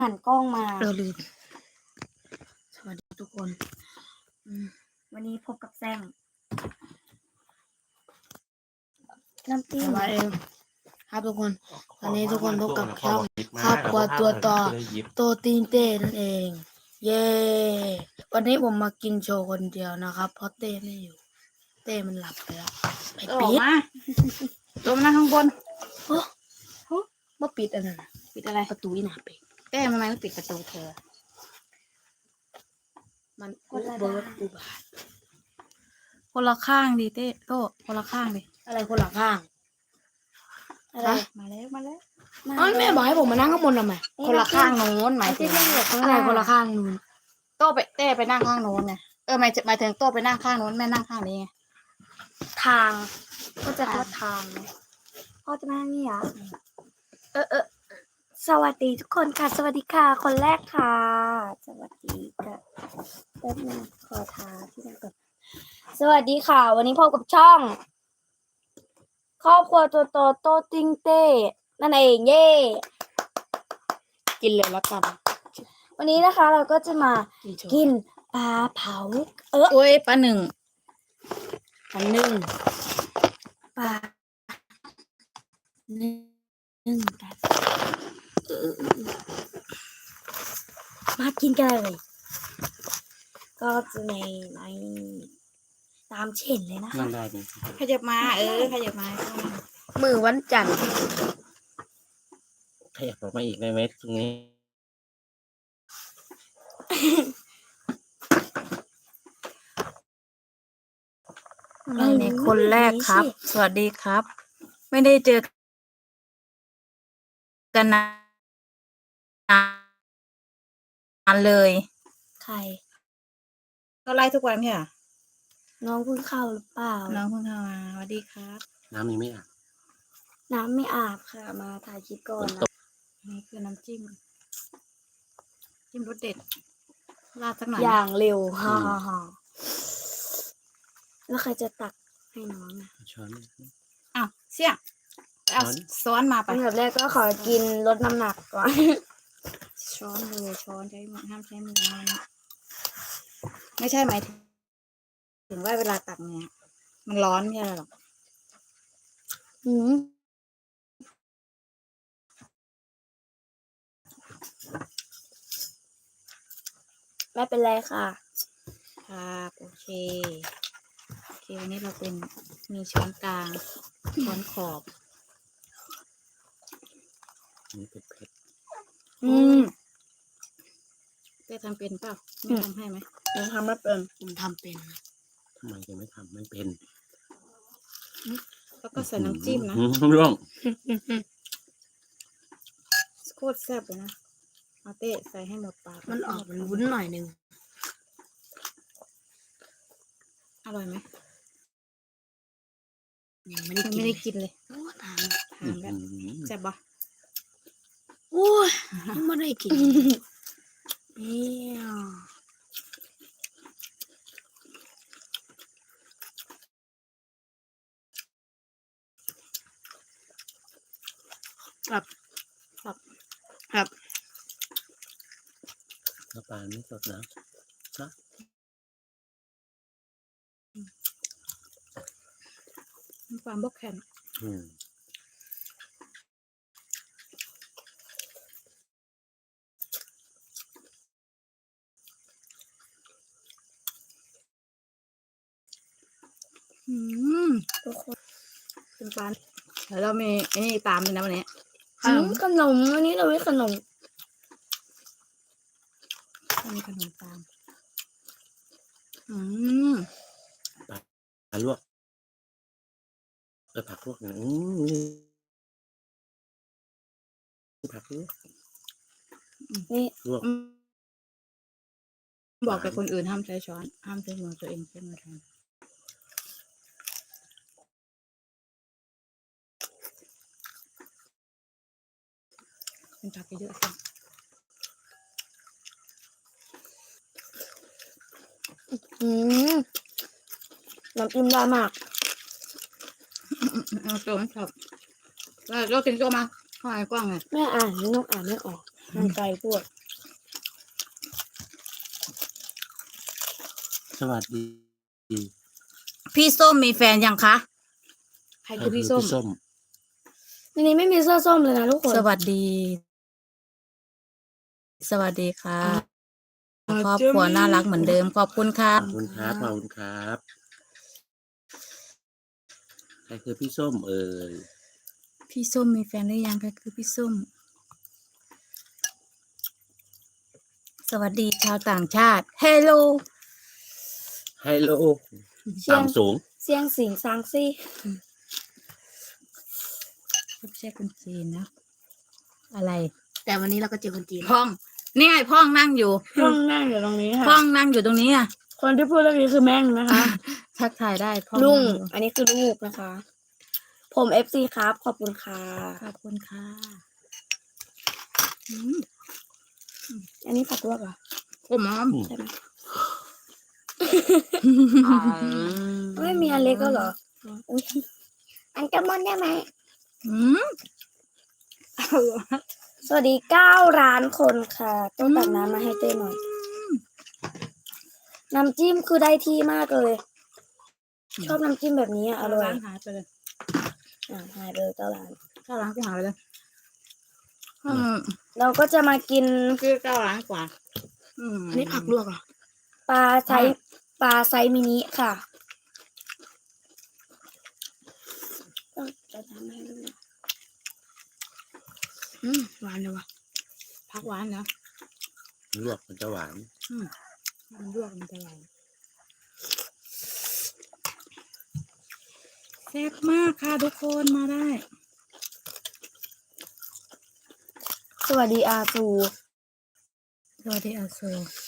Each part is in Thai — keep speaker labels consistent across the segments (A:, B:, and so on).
A: หันกล้องมา
B: เราลืมสวัสดีทุกคน
A: วันนี้พบกับแซงน้ำจิ้ม
B: สวัสดีครับทุกคนตอนนี้ทุกคนพบกับช่องครอบครัวตัวต่อโตตีนเต้นั่นเอง เย้วันนี้ผมมากินโชว์คนเดียวนะครับเพราะเต้ไม่อยู่เต้มันหลับไปแล้วไป
C: โต
B: ปิด
C: มาโตมานั่งข้างบน
B: มาปิดอันนั้นน่ะ
C: ปิดอะไร
B: ประตูอีหนาไป
C: แก้ทำไมไม่ปิดประตูเธอ
B: มันเบิร์ดอุบาท
C: คนละข้างดิเต้โตคนละข้างดิ
B: อะไรคนละข้าง
A: อะไร
C: มาแล้วมาแล้ว
B: อ๋อแม่บอกให้ผมมานั่งข้างบนทำไม
C: คนละข้างโน้นหมายถึง
B: อะไรคนละข้างนู้น
C: โตไปเต้ไปนั่งข้างโน้นไงหมายถึงโตไปนั่งข้างโน้นแม่นั่งข้างนี้ไง
A: ทางก็จะเข้าทางพ่อจะมานี่เหรอสวัสดีทุกคนค่ะ สวัสดีค่ะ คนแรกค่ะ สวัสดีค่ะแป๊บนึงขอทาที่นั่นก่อนสวัสดีค่ะ วันนี้พบกับช่อง ครอบครัวตัวโตโตติงเต้นั่นเองเย่
B: กินเลยละกัน
A: วันนี้นะคะเราก็จะมา
B: กินโชว์
A: กินปลาเผา
C: โอ้ยป้าหนึ่ง
B: อันหนึ่ง
A: ปลานึ่งกันมากินกันเลย ก็จะในตามเช่นเลยนะคะ
D: นั่งได้ไหม
C: ขยับมาขยับมา
B: มือวันจันทร์
D: ขยับออกมาอีกได้ไหมตรงนี้
C: นี่คนแรกครับ สวัสดีครับ ไม่ได้เจอกันนานเลย
A: ใคร
C: ก็ไล่ทุกวันใช่ไหม
A: น้องเพิ่งเข้าหรือเปล่า
C: น้องเพิ่งเข้ามาสวัสดีครับ
D: น้ำยังไม่อาบ
A: น้ำไม่อาบค่ะ มาถ่ายคลิปก่อนนะ
C: นี่คือน้ำจิ้มรสเด็ดราดสักหน่อย
A: อย่างเร็วฮ่าฮ่าฮ่าแล้วใครจะตักให้น้องอ่ะ
D: ช้อน
C: อ้าวเสี่ยงเอาซ้อนมาไป
A: อันดับแรกก็ขอกินลดน้ำหนักก่อน
C: ช้อนเลยช้อนใช้มือห้ามใช้มือนะไม่ใช่หมายถึงว่าเวลาตักเนี่ยมันร้อนไม่ใช่หรอก
A: อืมไม่เป็นไรค่ะ
C: ครับโอเควันนี้เราเป็นมีช้อนกลางช้อนขอบ
D: นี่เผ็ด
A: อืม
C: ได้ทำเป็นเปล่าไม่ทำให้ไหม
A: ยังทำไม่เป็น
B: ผมทำเป็นนะ
D: ๆทำไมจะไม่ทำไม่เป็น
C: แล้วก็ใส่น้ำจิ้มนะ
D: ร่วง
C: โคตรแซ่บเลยนะเอาเต้ใส่ให้หมดปาก
B: มันออกวุ้นหน่อยหนึง
C: อร่อยไหม
B: ยังไม่ได้
C: ยัง
B: กิน
C: ไม่ได้กินเลย
B: โอ้ทาน
C: ทานแบบแซ่บปะ
B: โอ้ยยังไม่ได้กินเนี่ยครับครับ
D: น้ำปลาไม่สดนะ
C: น้ำปลาบกแข็ง
D: อืม
A: ทุกคน
C: เป็นปลาแล้วเรามีไอ้นี่ตามด้วยนะวันนี้
A: ขนมอันนี้เราไม่ขนม
C: มีขนมตาม
D: ปลาลวกผักลวกเนี่ยผักลวก
A: นี่
D: ลวก
C: บอกกับคนอื่นห้ามใช้ช้อนห้ามใช้มือตัวเองใช้มือแทนเป็นผักเยอะๆสิ
A: น้ำจิ้มได้มาก
C: เอาตัวมันชอบเรากินตัวมาข้าวไอ้กว้างไง
A: แม่อ่านนี่นกอ่านไม่ออกมันไกลพวก
D: สวัสดี
C: พี่ส้มมีแฟนยังคะใครคือพี่ส้ม
D: ส้ม
A: ในนี้ไม่มีเสื้อส้มเลยนะทุกคน
C: สวัสดี สวัสดีค่ะครอบครัวน่ารักเหมือนเดิมขอบคุณค่ะ
D: ขอบคุณครับขอบคุณครับใครคือพี่ส้มเอ่ย
C: พี่ส้มมีแฟนหรือยังคะคือพี่ส้ม สวัสดีชาวต่างชาติเฮลโล
D: ไฮโล
A: เชียง
D: ต่ำสูง
A: เสียงสิงซางซี่
C: ไม่ใช่คนจีนนะอะไร
B: แต่วันนี้เราก็เจอคนจีน
C: พ่องนี่ไงพ่องนั่งอยู่
A: พ่องนั่งอยู่ตรงนี้ค่ะ
C: พ่องนั่งอยู่ตรงนี้อ่ะ
A: คนที่พูดเรื่องนี้คือแม่งนะคะ
C: ทักทายได้พ่อง
A: ลุง
C: นั่อยู่
A: อันนี้คือลูกนะคะ ผม FC ครับ ขอบคุณค่ะ
C: ขอบคุณค่ะอืม
A: อันนี้ผักลวกเหรอ
C: ผมอ๋อ
A: ใช่ไหมไม่มีอันเล็กก็เหรออุ๊ยอันกระมอนได้ไหม
C: อืม
A: สวัสดี9 ล้านคนค่ะต้องตักน้ำมาให้เต้หน่อย น้ำจิ้มคือได้ที่มากเลย ชอบน้ำจิ้มแบบนี้อะอร่อย
C: ร้านหายไปเลย
A: หายไปเลย9 ล้าน
C: เข้าร้านกูหายไปเลย
A: เราก็จะมากิน
C: คือ9 ล้านกว่าม
B: อันนี้ผักลวกเหรอ
A: ปลาไซส์มินิค่ะต้องจะทำให้ดูหน่อย
B: หวานเลยวะ
C: ผักหวานนะ
D: ลวกมันจะหวาน
C: มันลวกมันจะหวานแซ่บมากค่ะทุกคนมาได้
A: สวัสดีอาซู
C: สวัสดีอาโซ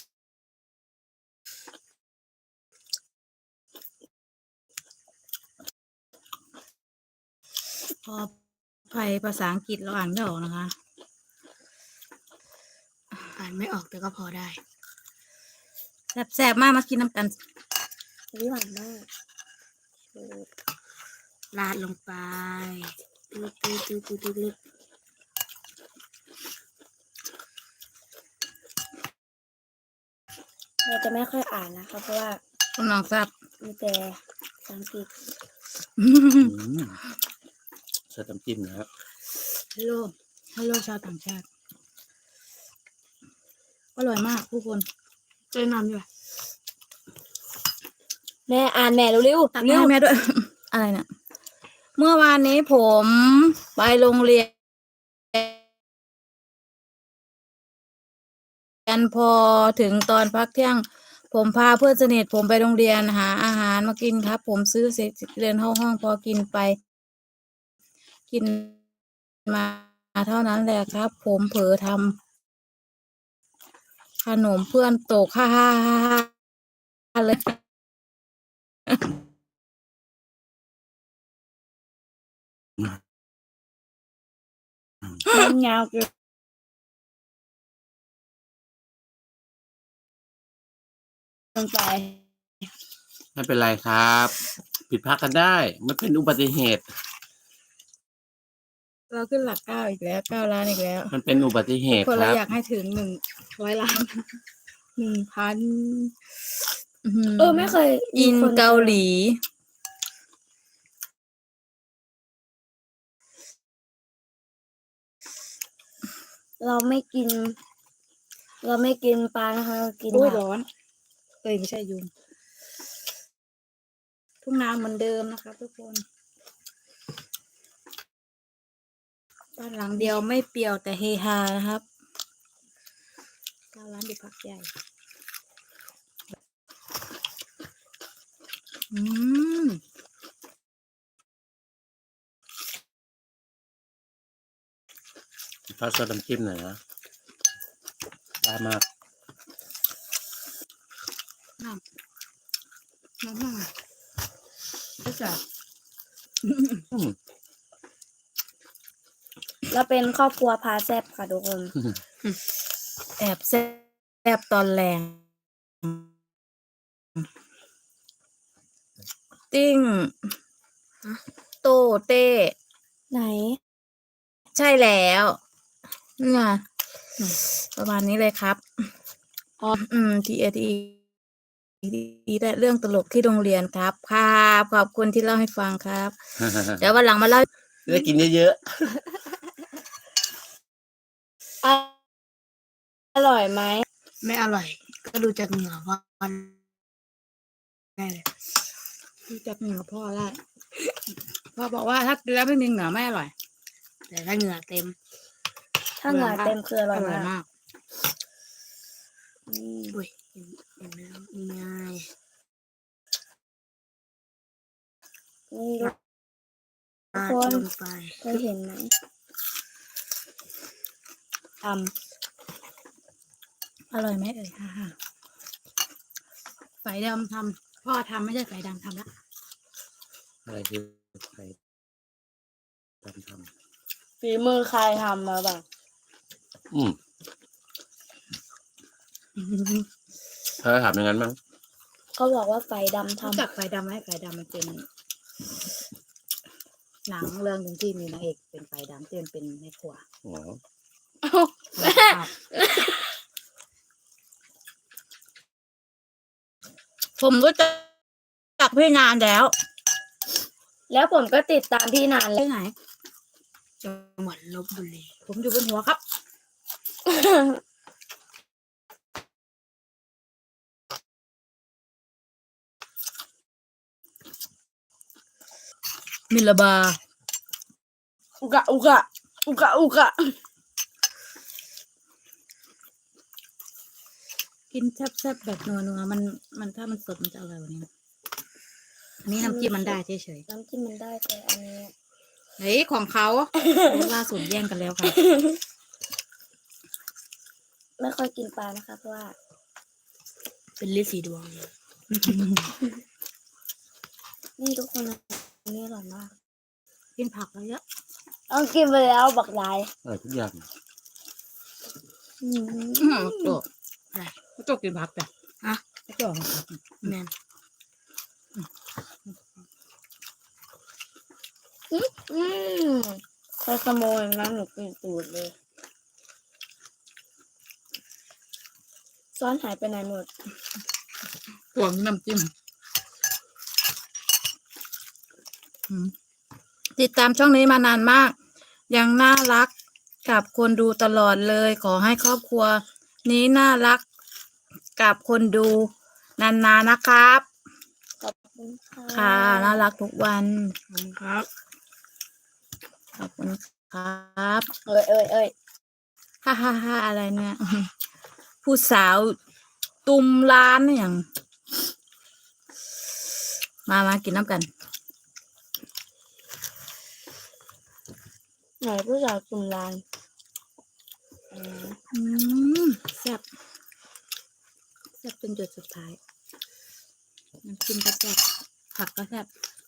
C: พอภัยภาษาอังกฤษเราอ่านไม่ออกนะคะ
B: อ่านไม่ออกแต่ก็พอได้
C: แซ่บๆมากมากินน้ำกัน
A: วิหวานมาก
B: ราดลงไปลึก
A: เราจะไม่ค่อยอ่านนะคะ เพราะว่า
C: คุณน้องแซ่บ
A: มีแต่ภาษาอังกฤษ
D: ใส่น้ำจิ้มนะครับ
C: ฮัลโหลชาวต่างชาติอร่อยมากทุกคน
B: ๆเจอนำอยู่
A: แม่อ่านแม่เร็ว
C: ตัก
A: ๆเร็
C: ให้
A: ว
C: แม่ด้วย อะไรเนี่ยเมื่อวานนี้ผมไปโรงเรียนพอถึงตอนพักเที่ยง ผมพาเพื่อนสนิทผมไปโรงเรียนหาอาหารมากินครับ ผมซื้อเสร็จเดินเข้าห้องพอกินไป กินมาเท่านั้นแหละครับ ผมเผลอทำขนมเพื่อนตกฮ่าฮ่าฮ่าฮ่าเลย
A: มันยาวเกินไป
D: ไม่เป็นไรครับ ผิดพลาดกันได้มันเป็นอุบัติเหตุ
C: เราขึ้นหลัก9อีกแล้ว9 ล้านอีกแล้ว
D: มันเป็นอุบัติเหตุ
C: คน
D: ค
C: เรา
D: รับ
C: อยากให้ถึง100 ล้าน 1,000
A: ไม่เคยมี
C: อิน
A: คน
C: เกาหลี
A: เราไม่กิน เราไม่กินปลานะคะเรากิน
C: โอ้ย
A: ผัก
C: ร้อนไม่ใช่ยุงทุ่งนาเหมือนเดิมนะคะทุกคนบ้านหลังเดียวไม่เปรี่ยวแต่เฮฮานะครับ9 ล้านอยู่พักใหญ่อืม
D: ทอดซอสน้ำจิ้มหน่อยนะได้มาก
C: น้ำมันก็จะ
D: อืม
A: เราเป็นครอบครัวพาแซบค่ะทุกคน
C: แอบแซบตอนแรงติ้งโตเต้
A: ไหน
C: ใช่แล้วเนี่ยประมาณนี้เลยครับทีได้เรื่องตลกที่โรงเรียนครับครับขอบคุณที่เล่าให้ฟังครับ เดี๋ยววันหลังมาเล่า
D: ได้กินเยอะ
A: ออร่อยไหม
B: ไม่อร่อย ก็ดูจากเหงื่อว่าได้เลย
C: ดูจากเหงื่อพ่อได้พ่อบอกว่าถ้ากินแล้วไม่มีเหงื่อไม่อร่อย
B: แต่ถ้าเหงื่อเต็ม
A: ถ้าเหงื่อเต็มคืออร่อย
C: อร่อย
A: มาก
C: มาก
B: อุ้ยเห็นแล้วนี่ไง
A: นี่ทุก
B: ราด
A: คน
B: ลงไป
A: เคยเห็นไหมท
C: อร่อยไหมเอ่ยฮ่าไก่ดำทำพ่อทำไม่ใช่ไก่ดำทำละ
D: ๆอะไรคือใครทำ
A: ำฝีมือใครทำมาบ้าง
D: เธอถามอย่างนั้นมั้ง
A: เขาบอกว่าไฟดำ
C: รู้
A: ทำ
C: จักไก่ดำไหมไก่ดำมันเป็นหนังเรื่องหนึ่งที่มีนางเอกเป็นไก่ดำที่มันเป็นแม่ครัว
D: อ๋อ
C: ผมรู้จักพี่นานแล้ว
A: แล้วผมก็ติดตามพี่นานแล้ว
C: ที่ไหน
B: จังหวัดลบบุรี
C: ผมอยู่บนหัวครับ มิลลาบา
A: อุกะอุกะอุกะอุกะ
C: กินแซ่บๆแบบนัวๆมันถ้ามันสดมันจะอร่อยกว่านี้นะอันนี้น้ำจิ้มมันได้เฉย
A: น้ำจิ้มมันได้แต่อันนี้
C: ๆเฮ้ยของเขาล่าสุดแย่งกันแล้วค่ะ
A: ไม่ค่อยกินปลานะคะ เพราะว่า
B: เป็นลิสีดวง
A: นี่ทุกคนนะอันนี้อร่อยมาก
C: กินผักเยอะ
A: ต้องกินไปแล้วบักหลาย
D: อร่อยทุกอย่าง
A: อืม
C: โจอะไรโจกินผักจ้ะ
B: ฮะ
C: โจกินผัก
B: แม่น
A: ใครขโมยงั้นหนูกินตูดเลยซ้อนหายไปไหนหมด
C: ห่วงน้ำจิ้มติดตามช่องนี้มานานมาก ยังน่ารักกับคนดูตลอดเลย ขอให้ครอบครัว นี้น่ารักกับคนดูนานๆนะครับ
A: ขอบคุณค่ะ
C: ค่ะน่ารักทุกวัน
B: ครับ
C: ขอบคุณครับ
A: เอ้ย
C: ฮ่าฮ่าฮ่าอะไรเนี่ย ผู้สาวตุมร้านเนี่ยอย่างมากินน้ำกัน
A: ไหนผู้สาวกลุ่มลาน
C: แซ่บเป็นจุดสุดท้ายน้ำจิ้มก็แซ่บผักก็แซ่บ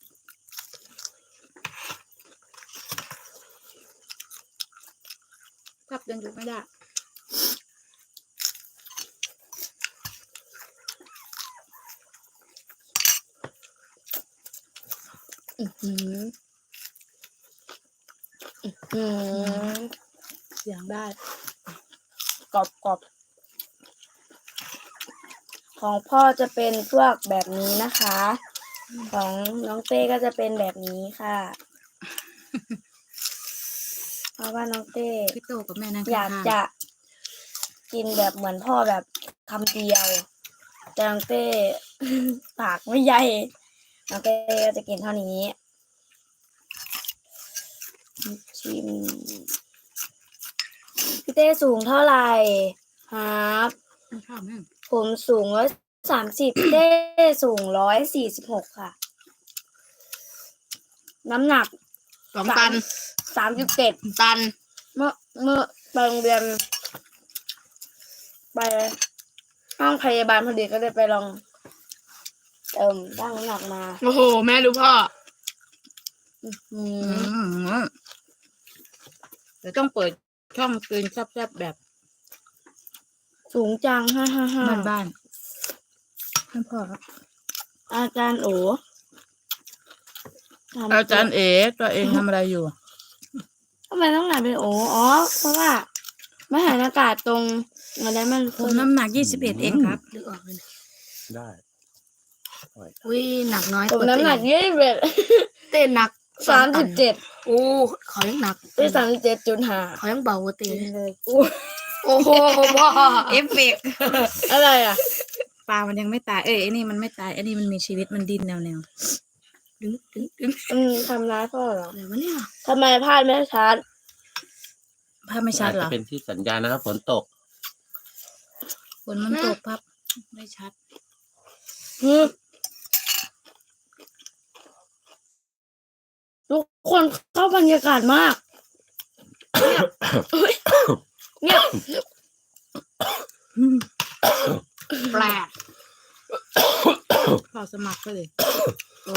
C: ยังอยู่ไม่ได้ เสียงได้
A: กรอบของพ่อจะเป็นพวกแบบนี้นะคะ ของน้องเต้ก็จะเป็นแบบนี้ค่ะ เพราะว่าน้องเต้
C: พี่โตกับแม่นั่ง
A: อยากจะกินแบบเหมือนพ่อแบบคำเดียวแต่น้องเต้ ปากไม่ใหญ่น้องเต้ก็จะกินเท่านี้ชิมพี่เต้สูงเท่าไหร่ครับ
C: ข้าวแม่
A: ผมสูง130พี่เต้สูง146ค่ะ น้ำหนัก
B: 2 ตัน
A: 37
B: ตัน
A: เมื่อไปโรงเรียนไปห้องพยาบาลพอดีก็เลยไปลองตั้งน้ำหนักมา
B: โอ้โห แม่รู้พ่อ
C: เดี๋ยวต้องเปิดช่องกินแซ่บๆแบบ
A: สูงจัง555
C: บ้านท่านพ่อครับ
A: อาจารย์โอทำ
C: อาจารย์เอ๋ตัวเองทำอะไรอยู่
A: ทำไมต้องหนาเป็นโออ๋อเพราะว่า
B: ไม่หายอากาศตรงอะไรมัน
C: ผมน้ำหนัก21เองครับ
B: ลึกออกเลย
D: ได้
B: อุ้ยหนักน้อย
A: ผมน้ำหนัก21
B: เต้นหนัก
A: 37
B: โอ้เขายังหนัก
A: 37.5
B: เขายังเบากว่าเต้น
A: เลย
B: โอ้โหพ่อ
C: เอฟเฟกต์
A: อะไรอ่ะ
C: ปลามันยังไม่ตาย ไอ้นี่มันไม่ตายไอ้นี่มันมีชีวิตมันดิ้นแนว
B: ดึงดึง
A: ทำร้ายพ่อเหรอ
B: อะไรวะเนี่ย
A: ทำไมพลาดไม่ชัด
C: ภาพไม่ชัดเหร
D: อาจ
C: อ
D: จะเป็นที่สัญญาณนะครับฝนตก
C: ฝนมันตกภาพไม่ชัด
A: ทุกคนเข้าบรรยากาศมาก เงียบ
B: แปลก
C: ขอสมัครไปเลย
B: โอ้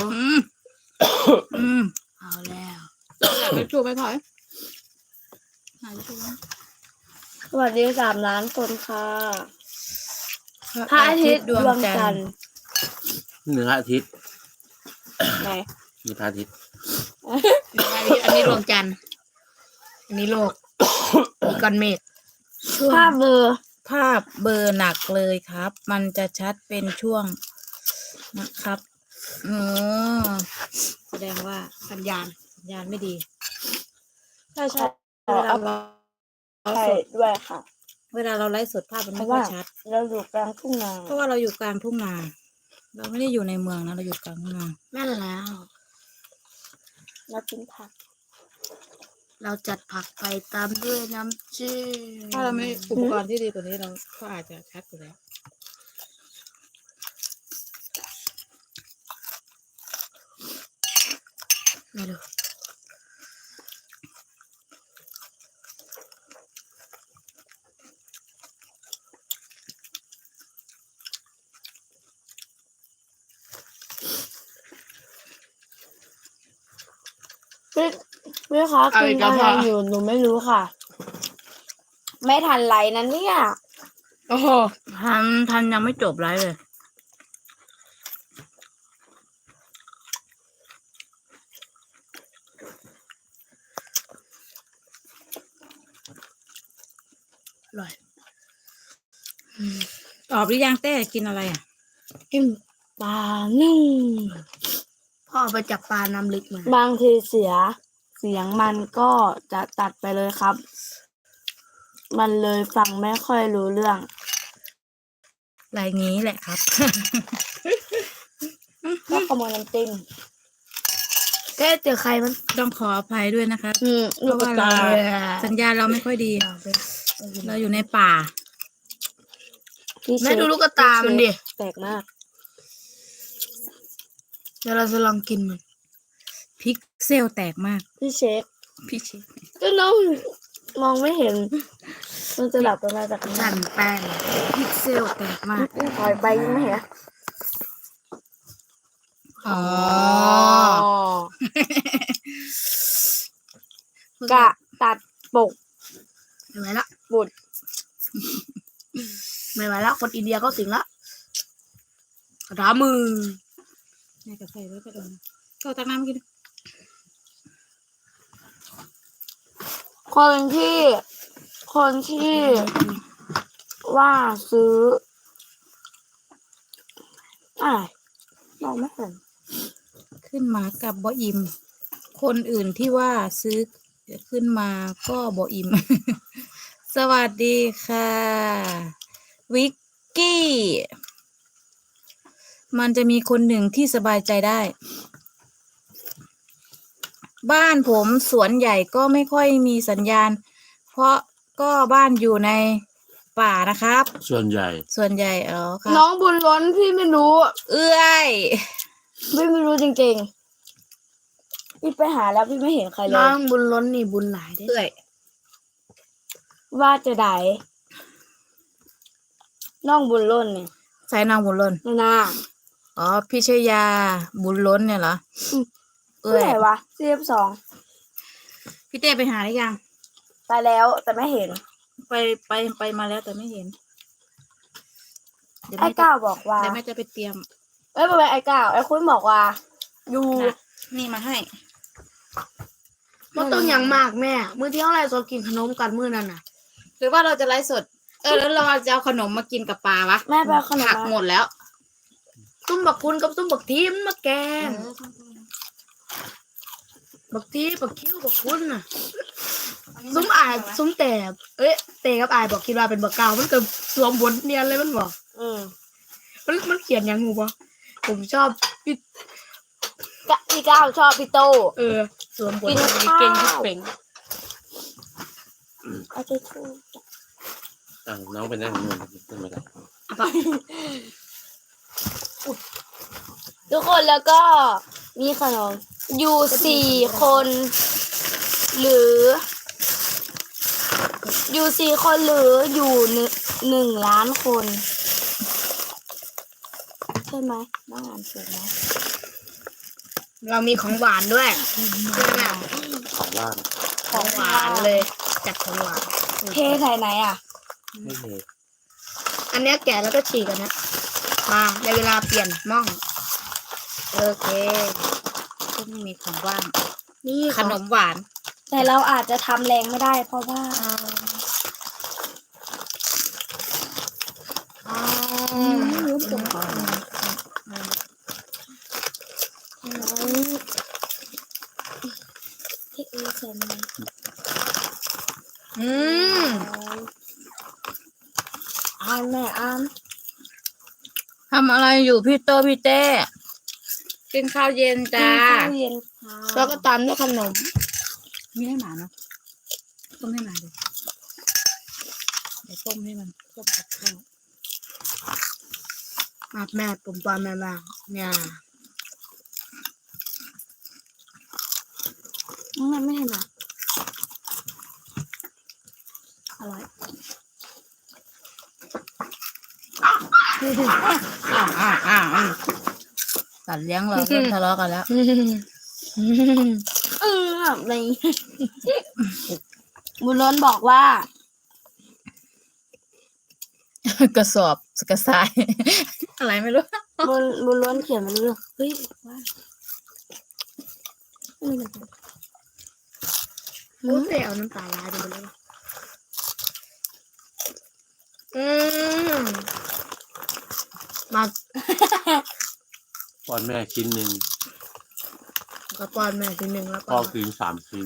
B: เอาแล้ว
C: อยากไปจูบไปถอยหาจูบ
A: สวัสดี3 ล้านคนค่ะพระอาทิตย์ดวงจันทร์
D: เหนืออาทิตย์
A: ไหน
D: มีพระอาทิตย์
B: อันนี้ดวงจันทร์อันนี้โลกมีก้อนเมฆ
A: ภาพเบอร์
C: ภาพเบอร์หนักเลยครับ มันจะชัดเป็นช่วงนะครับอ๋อแสดงว่าสัญญาณไม่ดี
A: ใช่ใช่
C: เวลาเรา
A: ใช่ด้วยค่ะ
C: เวลาเราไลฟ์สดภาพมัน
A: เพ
C: ไม่
A: ราะ
C: ค่อ
A: ว่าย
C: ชัด
A: เราอยู่กลางทุ่งนา
C: เพราะว่าเราอยู่กลางทุ่งนา เราไม่ได้อยู่ในเมืองนะ เราอยู่กลางทุ่งนา
B: แม่นแล้ว
A: เรากินผัก
B: เราจัดผักไปตามด้วยน้ำจิ้ม
C: ถ้าเราไม่อุปกรณ์ที่ดีกว่านี้เราก็อาจจะชัดกว่าแล้ว
B: ไม่รู้
A: พี่คะคุณอะไรอยู่หนูไม่รู้ค่ะ ไม่ทันไรนั้นเนี่ย
B: โอ้โห
C: ทันยังไม่จบไลฟ์เลย
B: อร่อย
C: ตอบหรือยังเต้กินอะไรอ่ะ
A: กินปลานึ่ง
B: พ่อเอาไปจับปลาน้ำลึกมา
A: บางทีเสียงมันก็จะตัดไปเลยครับ มันเลยฟังไม่ค่อยรู้เรื่อง
C: อะไรงี้แหละครับ
A: ก็ขโมยน้ำจิ้ม
B: แกเจอใครมัน
C: ต้องขออภัยด้วยนะคะ
A: ลูกกระตา
C: สัญญาณเราไม่ค่อยดี เราอยู่ในป่า
A: พี่เช
B: แม่
A: ฟ
B: ดูลูกกระตามันดิ
A: แปลกมาก
B: เดี๋ยวเราจะลองกินมัน
C: พิกเซลแตกมาก
A: พี่เชฟ
C: พี่ชิ
A: ก็น้องมองไม่เห็น มันจะหลับประมาณจากไหน
B: สั่นแป้ง
C: พิกเซลแตกมาก
A: ถอยไปยังไม่เห็น
C: อ๋อ
A: กะตัดปก
B: ไม่ไหวละ
A: บุด
B: ไม่ไหวละคนอินเดียเขาสิงละกระดามือ
C: แม่กับใส่ไว้ก็โดนก็ตักน้ำกิน
A: คนที่ว่าซื้ออะไรมองไม่เห็น
C: ขึ้นมากับบออิม คนอื่นที่ว่าซื้อขึ้นมาก็บออิม สวัสดีค่ะ วิกกี้ มันจะมีคนหนึ่งที่สบายใจได้ บ้านผมสวนใหญ่ก็ไม่ค่อยมีสัญญาณ เพราะก็บ้านอยู่ในป่านะครับ
D: ส่วนใหญ่
C: ส่วนใหญ่ครั
A: น้อบ งบุญล้นพี่ไม่รู้
C: เอื้อย
A: พี่ไม่รู้จริงๆ พี่ไปหาแล้วพี่ไม่เห็นใครเล
B: น้อย งบุญล้นนี่บุญหลายเด้
C: เอื้อย
A: ว่าจะได้น้องบุญล้นเนี่ย
C: ใส่นางบุญล้น
A: น่า
C: อ๋อพิชยาบุญล้นเนี่ยเหรอ
A: เมื่อไหร่วะCF2
C: พี่เต้ไปหาหรือยัง
A: ไปแล้วแต่ไม่เห็น
C: ไปมาแล้วแต่ไม่เห็น เดี๋ยว
A: ไอ้
C: แม่จะ
A: ก้าวบอกว่า
C: เดี๋ยวแม่จะไปเตรียม
A: ไม่เป็นไอ้ก้าวไอ้คุณบอกว่าอยู่
C: นะนี่มาให้
B: มันต้องอย่างมากแม่ มื้อที่เท่าไรสดกินขนมกันมื้อนั้นน่ะ
C: หรือว่าเราจะไลฟ์สด แล้วเราจะเอาขนมมากินกับปลาวะ
A: แม่ไปเอาขนม
C: ผัก
A: มา
C: หมดแล้ว ตุ้มบักคุณกับตุ้มบักทีมมาแกงบักทีบักคิ้วบักคุณน่ะซุ้มอายซุ้มแต่เตกับอายบอกคิดว่าเป็นบักเก่ามันเกิดสวมบทเนียนเลยมันบอก มันเขียนยังงูปะผมชอบพี่
A: พี่ก้าวชอบพี่โต
C: สวมบท
A: กินข้าว
C: เก่งที่เป่ง
A: เอาไปทู
D: น้องไปนั่งนู่นขึ้นมาได้
A: ทุกคนแล้วก็มีขนมอยู่4 คน หรืออยู่4 คนหรืออยู่1 ล้านคน ใช่ไหมน้องอ่านถูกไหม
C: เรามีของหวานด้วยใช่ไหม
D: ของว่าง
C: ของหวานเลย จัดของหวาน
A: เทใส่ไหนอ่ะ
D: ไม่เลย
C: อันเนี้ยแกะแล้วก็ฉีกกันนะมาในเวลาเปลี่ยนหม่องโอเคซึ่งมีของว่าง
A: นี่
C: ขนมหวาน
A: แต่เราอาจจะทำแรงไม่ได้เพราะว่าลืมตัวก่อนเทใส่ไหน อ่านแม่อ่าน
C: ทำอะไรอยู่พี่โตพี่เต้กินข้าวเย็นจ้า
A: ข้าวเย็นค่ะ
C: แล้วก็ตามด้วยขนมมีให้หมาเนาะต้มให้หมาดิเดี๋ยวต้มให้มันต้มกับข้าวมาแม่ผมตอนแม่บ้างเนี่ย
A: แม่ไม่ให้มาอร่อย
C: สัตว์เลี้ยงเราเริ่มทะเลาะกันแล้ว
A: ในบุญล้นบอกว่า
C: กระสอบกระสาย อะไรไม่รู้
A: บุญล้นเขียนมาเรื่องเฮ้ยว่าไม่เป็นไร
C: พูดเลยเอาน้ำตาลายไปเลยมา
D: ป้อนแม่ชิ้นหนึ่ง
C: กระป้อนแม่ทีหนึ่งแล้ว
D: พ่
C: ก็
D: อกิน3 ชิ้น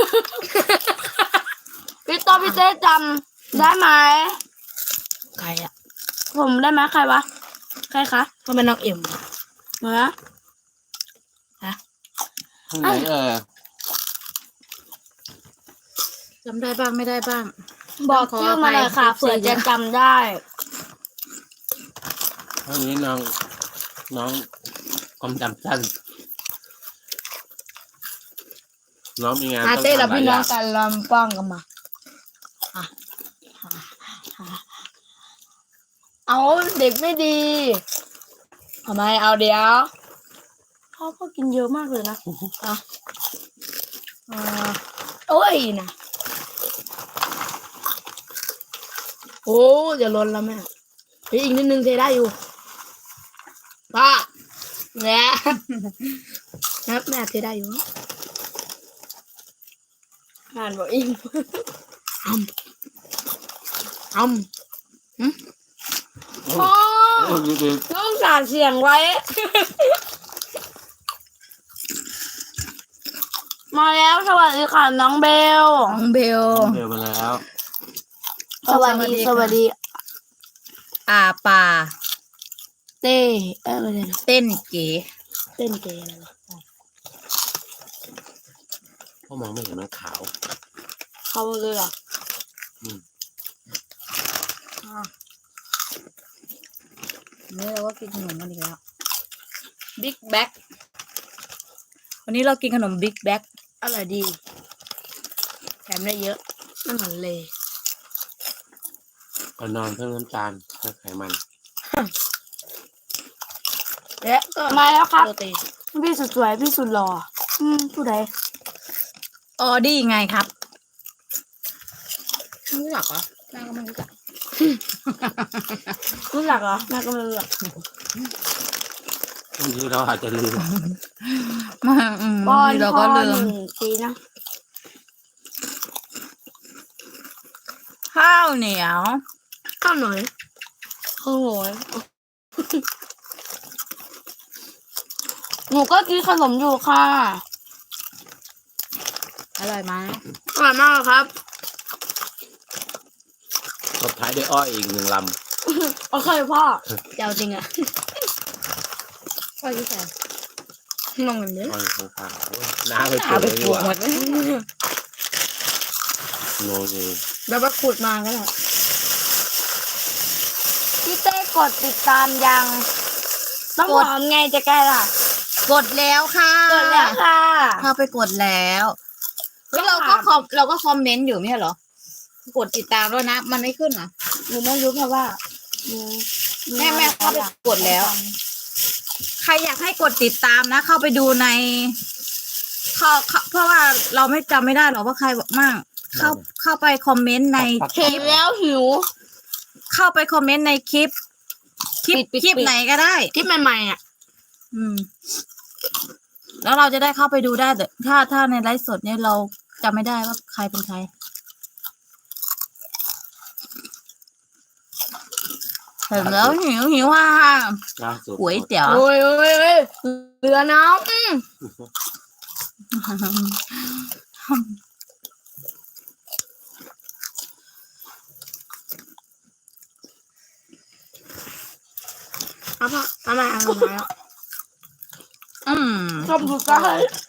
A: พี่โตพี่เต้จำได้ไหม
C: ใครอ่ะ
A: ผมได้ไหมใครวะใครคะ
C: ก็เป็นน้องเอ็ม
A: เหรอ
D: ข้างไหน
C: จำได้บ้างไม่ได้บ้าง
A: บอกชื่อมาเลยค่ะ
C: ขออภัย
A: เผื่อจะจำได้
D: ข้างนี้น้องความจำสั้นน้องมีงาน
C: อาเต้
D: ต้
C: เรา
D: องทำหลา
C: พี่
D: ยอ
C: น้อย่าง งกันลำป้องกันมา เอาเด็กไม่ดีทำไมเอาเดี๋ยว
A: พ่อกินเยอะมากเลยนะ
C: โอ้ยนะโอ้อย่าลนแล้วแม่เฮ้ยอีกนิดนึงเทได้อยู่ป้าแม่นับแม่เทได้อยู่
A: งานบอกอิง
C: อ้ำ
A: พ่อ
D: ดู
A: ต้องสารเสียงไว้ มาแล้วสวัสดีค่ะน้องเบล
C: น้องเบล
D: เดี๋ยวมาแล้ว
A: สวัสดีสวัสดี
C: ป่า
A: เต้ไม่ใช่นะ
C: เต้นเก๋
A: เต้นเกย์อะไรวะ
D: พ่อมองไม่เห็นมันขาว
A: เขาเลยเหรอ
C: นี่เราก็กินขนมกันอีกแล้วบิ๊กแบ็กวันนี้เรากินขนมบิ๊กแบ็กอร่อยดีแถมได้เยอะไม่เหมือนเลย
D: ก่อนนอนเพิ่มน้ำตาลเพิ่มไขมัน
C: และก็
A: มาแล้วครับ
C: โปรตีน
A: พี่สุดสวยพี่สุดหล่อผู้ใด
C: ออดี้ไงครับไม่รู้จักเหรอแม่ก็ไม่รู้จัก
A: รู้จักเหรอแม่ก็ไม่รู้จัก
D: บางทีเราอาจจะลืม
A: บอล
C: เรา
A: พ
C: ก็
A: อ
C: ลื
A: ห
C: ม
A: นึ่งปีนะ
C: ข้าวเหนียว
B: ข้าวหน่อยข้าวหน่อยหนูก็กินขนมอยู่ค่ะ
C: อร่อยไหม
B: อร่อยมากครับ
D: ตบท้ายด้วยอ้ออีกหนึ่งล
B: โอเคพ่อ
C: เจ้าจริงอ่ะพ่อที่ใส่
B: มองอย่างนี้
D: ำอ้ออยู่ข้างๆโอ้ยน้าไปปลู
C: เอา
D: ก
C: ไป
D: เลย
C: ป
D: ดี
C: ลู
D: ก
C: ก
D: ว่า
C: หมดเลย
D: โนนี
B: แล้วก็ขุดมาก็ได้
A: พี่เต้กดติดตามยัง ต้องหอมไงจะแก้ล่ะ
C: กดแล้วค่ะ
A: กดแล้วค่ะ
C: เข้าไปกดแล้วแล้วเราก็คอมเมนต์อยู่ไม่ใช่เหรอ กดติดตามด้วยนะ มันไม่ขึ้นเหรอ
A: หนูไม่รู้เพราะว่าหนู
C: แม่เข้าไปกดแล้ว ใครอยากให้กดติดตามนะ เข้าไปดูในเพราะว่าเราไม่จำไม่ได้หรอกว่าใครมั่งเข้าไปคอมเมนต์ในค
B: เห็
C: ลิ
B: น
C: ป
B: แล้วหิว
C: เข้าไปคอมเมนต์ในคลิปคลิปไหนก็ได้
B: คลิปใหม่ๆอ่ะ
C: อืม แล้วเราจะได้เข้าไปดูได้แต่ถ้าในไลฟ์สดเนี่ยเราจำไม่ได้ว่าใครเป็นใครเห็นแล้วหิวว่า
D: ล่าสุด
C: ก๋วยเตี๋ยว
B: โอ้ยเหลือน้ำเอาพ่อเอามาเอามา
C: อืม
B: ชอบดูได้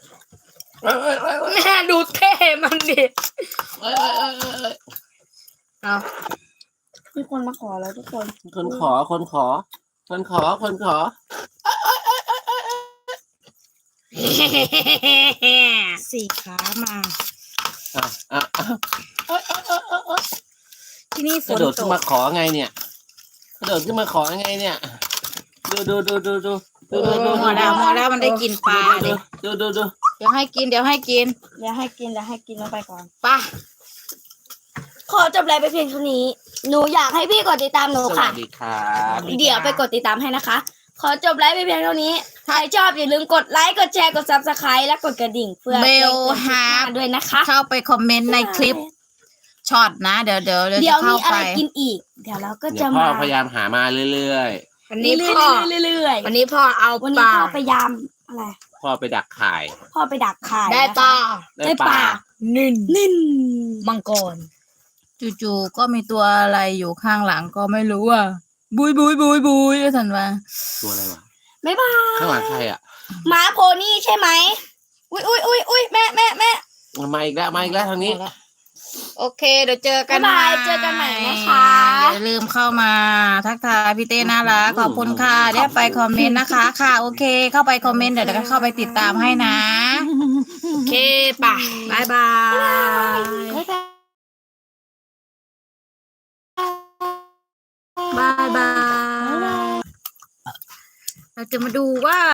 B: แม่ดูเท่มันดิเอามีคนมาขอแล้วทุกคน
D: คนขอ
C: สี่ขามา
D: อ่ะอ่ะอ่ะ
C: ที่นี่ฝ
D: กระ
C: น
D: โดด
C: ต
D: ขึ้น
C: ก
D: มาขอไงเนี่ยกระโดดขึ้นมาขอไงเนี่ย ดู
C: หมดแล้วมันได้กินปลาเลย
D: ดู
C: เดี๋ยวให้กิน
A: เดี๋ยวให้กินแล้วไปก่อน
C: ไป
A: ขอจบไลฟ์ไปเพียงเท่านี้ หนูอยากให้พี่กดติดตามหนู
D: สวั
A: ค่ะ
D: สดีครับ
A: เดี๋ยวไปกดติดตามให้นะคะ ขอจบไลฟ์ไปเพียงเท่านี้ ใครชอบอย่าลืมกดไลค์กดแชร์กด Subscribe และกดกระดิ่งเพื่อ
C: เบล
A: แจ้งเตือนคลิปหน้าด้วยนะคะ
C: เข้าไปคอมเมนต์ในคลิปช็อตนะ เดี๋ยวจะ
A: เดี๋ยว
C: เข้า
A: มีอะ
C: ไป
A: ไรกินอีก เดี๋ยวเราก็
D: เดี๋ย
A: จะ
D: วพ่อ
A: มา
D: พยายามหามาเรื่อย
B: วัน
A: เรื่
B: นี้
A: อย
B: พ่อ
A: ๆเรื่อยๆ
B: วันนี้พ่อเอา
A: วัน
B: ป
A: นี้
B: ลา
A: พ่อไปยามอะไร
D: ๆพ่อไปดักข่าย
A: พ่อไปดักขาย
B: ได้
A: นะคะ
B: ปลา
A: ได้ปลา
B: นิ่น
A: นิ่น
B: มังกร
C: จู่ๆก็มีตัวอะไรอยู่ข้างหลังก็ไม่รู้อ่ะบุยสันว่า
D: ตัวอะไรวะ
A: บ๊ายบาย
D: ข้างหลังใครอ่ะ
A: หมาโพนี่ใช่ไหมอุ้ยแม่
D: มาอีกแล้วทางนี้
C: โอเค เดี๋ยวเจอกัน
A: บ๊ายบายเจอกันใหม่นะคะ
C: อย่าลืมเข้ามาทักทายพี่เต้น่ารักขอบคุณค่ะเดี๋ยวไปคอมเมนต์นะคะ ค่ะ โอเค เข้าไปคอมเมนต์เดี๋ยวก็เข้าไปติดตามให้นะ
B: โอเคป่ะบายบาย
C: บายบาย เราจะมาดูว่า